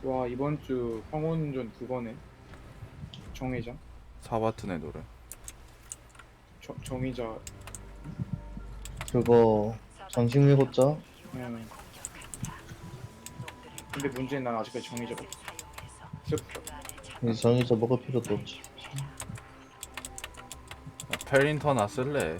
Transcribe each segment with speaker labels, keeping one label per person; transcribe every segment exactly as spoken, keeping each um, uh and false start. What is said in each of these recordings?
Speaker 1: 와, 이번 주 황혼전 그거네. 정의자.
Speaker 2: 사바튼의 노래.
Speaker 1: 정, 정의자.
Speaker 3: 그거 정식 밀고자.
Speaker 1: 음. 근데 문제는 난 아직까지 정의자가 없어. 슬프다.
Speaker 3: 이제 정해서 먹을 필요도 없지.
Speaker 2: 페린터나 쓸래.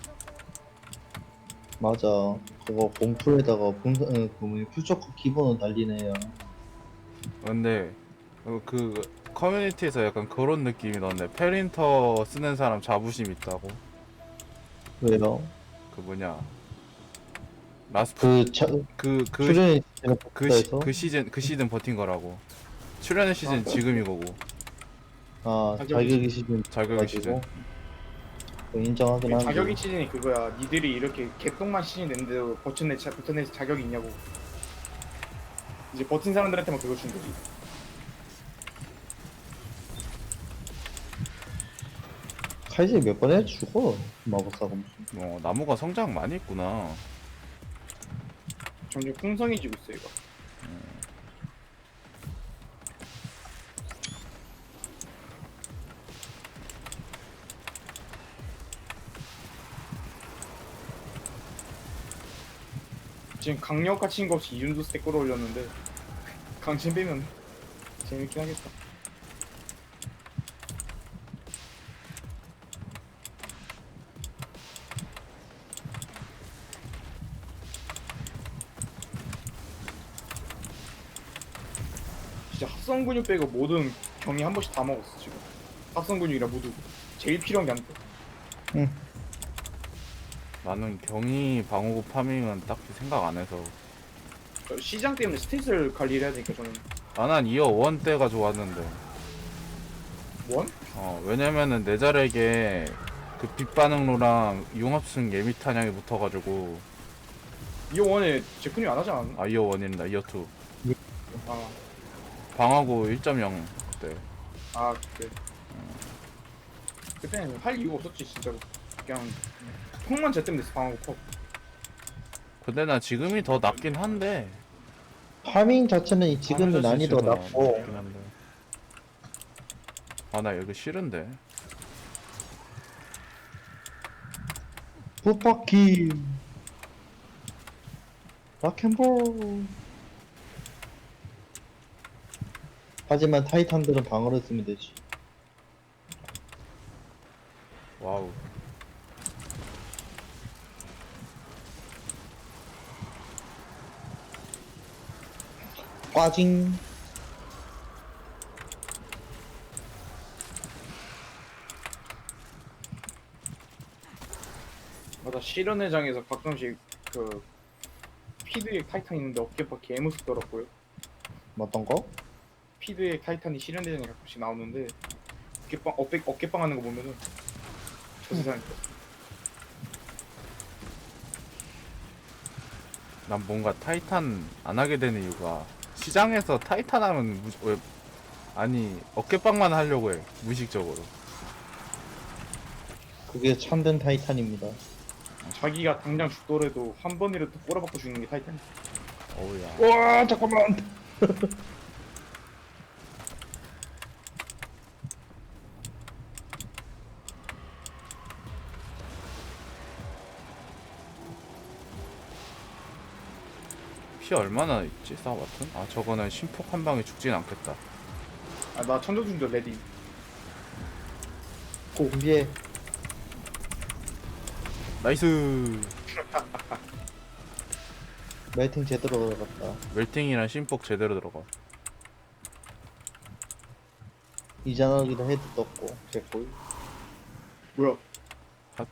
Speaker 3: 맞아. 그거 공풀에다가 분산 어, 그 뭐냐 퓨처커 기본은 달리네요.
Speaker 2: 근데 어, 그 커뮤니티에서 약간 그런 느낌이 나는데 페린터 쓰는 사람 자부심 있다고.
Speaker 3: 왜요?
Speaker 2: 그 뭐냐 라스트
Speaker 3: 그 차,
Speaker 2: 그그
Speaker 3: 출연이 제가
Speaker 2: 그, 시,
Speaker 3: 복사해서
Speaker 2: 그 시즌 그 시즌 버틴 거라고. 출연의 시즌
Speaker 1: 아,
Speaker 2: 지금이 거고.
Speaker 3: 아
Speaker 1: 자격이
Speaker 3: 자격이 시즌
Speaker 2: 자격이 시즌.
Speaker 3: 가지고 인정하긴
Speaker 1: 그
Speaker 3: 한데
Speaker 1: 자격이 시즌이 그거야. 니들이 이렇게 개똥만 시즌 냈는데도 버텨내, 자, 버텨낼 자격이 있냐고. 이제 버틴 사람들한테만 그거 준 거지.
Speaker 3: 칼질 몇 번 해 죽어 마법사가 무슨.
Speaker 2: 어 나무가 성장 많이 했구나.
Speaker 1: 점점 풍성해지고 있어, 이거. 지금 강력화 친거 없이 이윤도 스택 끌어올렸는데 강진 빼면 재밌긴 하겠다. 진짜 합성 근육 빼고 모든 경이 한 번씩 다 먹었어 지금. 합성 근육이라 모두 제일 필요한 게 안 돼.
Speaker 3: 응.
Speaker 2: 나는 경이 방어구 파밍은 딱히 생각 안 해서.
Speaker 1: 저 시장 때문에 스탯을 관리를 해야 되니까 저는
Speaker 2: 나난 이어 원 때가 좋았는데.
Speaker 1: 원?
Speaker 2: 어 왜냐면은 내 자력에 그 빛반응로랑 융합승 예미 탄약이 붙어가지고.
Speaker 1: 이 원에 제 근육 안 하지 않았나?
Speaker 2: 아 이어 원이란다 이어 투.
Speaker 1: 아,
Speaker 2: 방어구 일 점 영 그때.
Speaker 1: 아 그때 그때는 할 이유가 없었지 진짜로. 그냥 폭만 제 때문에 방하고 컵.
Speaker 2: 근데 난 지금이 더 낫긴 한데.
Speaker 3: 파밍 자체는 이 지금은
Speaker 2: 파밍
Speaker 3: 난이도
Speaker 2: 자체가
Speaker 3: 낮고
Speaker 2: 낫긴 한데. 아 나 여기 싫은데.
Speaker 3: 부파키 락앤볼. 하지만 타이탄들은 방어를 쓰면 되지.
Speaker 2: 와우.
Speaker 3: 꽈징.
Speaker 1: 맞아, 실현회장에서 가끔씩 그 피드의 타이탄 있는데 어깨바 개무섭더라고요.
Speaker 3: 어떤 거?
Speaker 1: 피드의 타이탄이 실현회장에 가끔씩 나오는데 어깨빵 어깨 어깨빵 하는 거 보면은 저 세상에.
Speaker 2: 난 뭔가 타이탄 안 하게 되는 이유가 시장에서 타이탄 하면 무, 왜 아니 어깨빵만 하려고 해 무의식적으로.
Speaker 3: 그게 참된 타이탄입니다.
Speaker 1: 자기가 당장 죽더라도 한 번이라도 꼬라박고 죽는 게 타이탄.
Speaker 2: 어우야.
Speaker 3: 와 잠깐만.
Speaker 2: 피 얼마나 있지 싸워봤든? 아 저거는 심폭 한 방에 죽진 않겠다.
Speaker 1: 아, 나 천조준도 레디.
Speaker 3: 공비에
Speaker 2: 나이스.
Speaker 3: 멜팅 제대로 들어갔다.
Speaker 2: 멜팅이랑 심폭 제대로 들어가.
Speaker 3: 이자나기도 헤드 떴고 개꿀.
Speaker 1: 뭐야?
Speaker 2: 핫.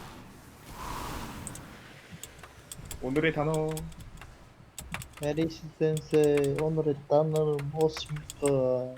Speaker 1: 오늘의 단어.
Speaker 3: 에리시 센세 오늘의 단어는 무엇입니까?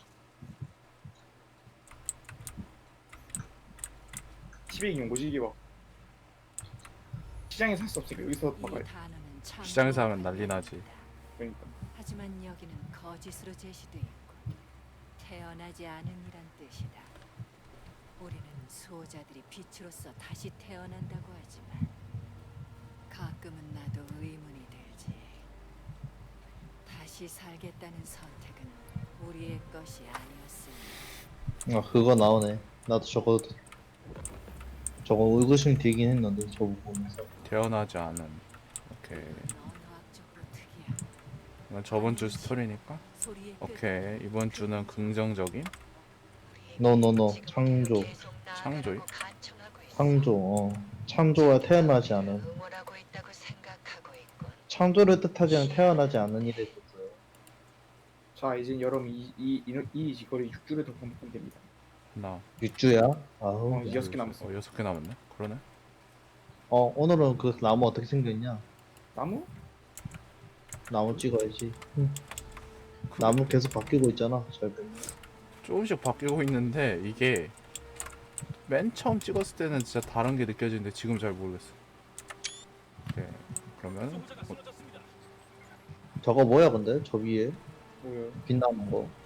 Speaker 1: 티백이 뭐지 이게 막 시장에 살 수 없으니까 여기서
Speaker 4: 이
Speaker 1: 막아야.
Speaker 4: 단어는 참
Speaker 2: 시장에서 하면 난리 나지.
Speaker 1: 그러니까
Speaker 4: 하지만 여기는 거짓으로 제시돼 있고 태어나지 않은 이란 뜻이다. 우리는 수호자들이 빛으로서 다시 태어난다고 하지만 가끔은 나도 의문이 들지. 다시 다시 살겠다는 선택은 우리의 것이 아니었으니
Speaker 3: 아 그거 나오네. 나도 저거 저거 의구심 되긴 했는데 저거 보면서.
Speaker 2: 태어나지 않은. 오케이.
Speaker 4: 언어학적으로 특이한
Speaker 2: 이건 저번 주 스토리니까.
Speaker 4: 소리의
Speaker 2: 오케이. 이번 주는 긍정적인
Speaker 3: 노노노 창조
Speaker 2: 창조이.
Speaker 3: 창조 어 창조와 태어나지 않은 창조를 뜻하지 않은 태어나지 않은 일에 있었어요.
Speaker 1: 자 이제 여러분 이이 이, 이 거리 육 주를 더 반복하면 됩니다.
Speaker 2: 나.
Speaker 3: 육주야? 아우.
Speaker 1: 어, 여섯 개 남았어.
Speaker 2: 어, 여섯 개 남았네. 그러네.
Speaker 3: 어 오늘은 그 나무 어떻게 생겼냐?
Speaker 1: 나무?
Speaker 3: 나무 찍어야지. 응.
Speaker 2: 그-
Speaker 3: 나무 계속 바뀌고 있잖아. 잘 보면.
Speaker 2: 조금씩 바뀌고 있는데 이게 맨 처음 찍었을 때는 진짜 다른 게 느껴지는데 지금 잘 모르겠어. 오케이. 그러면 뭐,
Speaker 3: 저거 뭐야 근데 저 위에
Speaker 1: 뭐요?
Speaker 3: 빛나는 거.